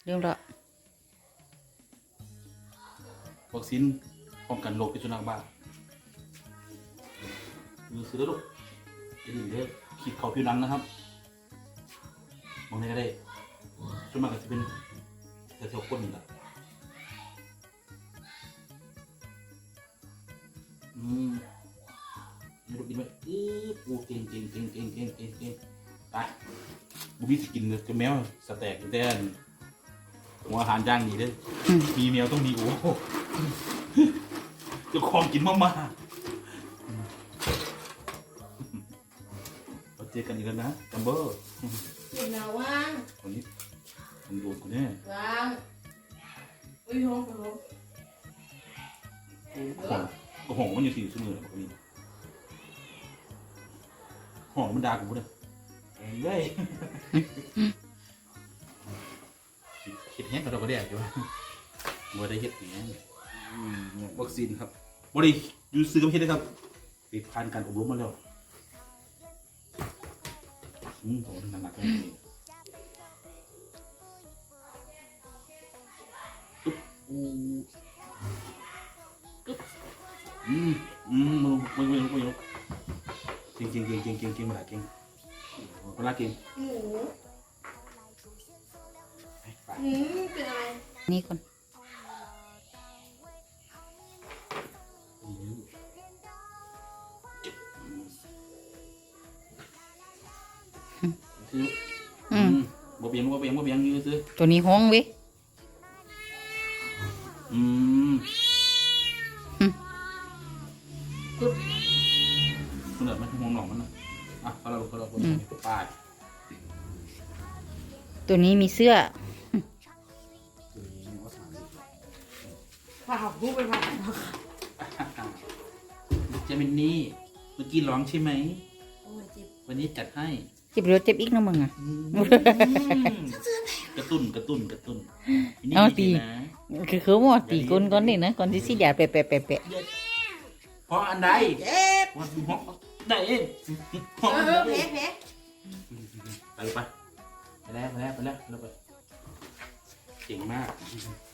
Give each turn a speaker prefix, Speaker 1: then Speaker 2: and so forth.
Speaker 1: เรื่องละ
Speaker 2: วัคซีนป้องกันโรคพิษสุนัขบ้ามือซื้อแล้วลูกจะดีเลยขีดเข่าผิวหนังนะครับมองได้ก็ได้ส่วนมากก็จะเป็นแถวๆก้นนี่แหละนี่ลูกดีไหมปูเก่งไปบุบี้สกินเลยจะแมวสแต็กแต่หัวอาหารย่างดีเลยมีแมวต้องมีโอ้จะคลองกินมากๆเราเจอกันอีกแล้วนะจัมเบอร์
Speaker 3: เดี๋ยวนะว่าง
Speaker 2: วันนี้ผมโดนกูแน่
Speaker 3: ว่างอุ้ยโหโห
Speaker 2: ห่องมันอยู่สี่ชั่วโมงแล้วคนนี้ห่องมันด่ากูเลยเฮ้ยเห็ดแห้งกับเราก็ได้อยู่ว่าได้เห็ดแห้งวัคซีนครับบริยูซื้อกับเห็ดนะครับไปผ่านการอบรมมาแล้วผมหนักๆเลยตุ๊บมึงเก่งมาละเก่งมาละเก่ง
Speaker 3: หมูเป็นอะไร
Speaker 1: นี่ก่อน
Speaker 2: บ่เบียงยื้อซื้อ
Speaker 1: ตัวนี้ห้องเว้ย
Speaker 2: คุณเดินมันห่วงหนองมันนะอ่ะเราป้าย
Speaker 1: ตัวนี้มีเสื้อ
Speaker 3: ผ่าผู้ไปผ่า
Speaker 2: เจมินนี่เมื่อกี้ร้องใช่ไหม
Speaker 3: โอ้ยเจ็บ
Speaker 2: วันนี้จัดให้
Speaker 1: เจ็บเรือเจ็บอีกนะมึงอ่ะ
Speaker 2: กระตุ้น
Speaker 1: เอาตี
Speaker 2: นะ
Speaker 1: คือหมดตีก้นก่อนนี่นะก่อนที่สิยาแปะ
Speaker 2: เพราะอันใด
Speaker 3: เจ็บ
Speaker 2: วันห้องได้เอง
Speaker 3: แผล
Speaker 2: ไปแล้วเราไปเก่งมาก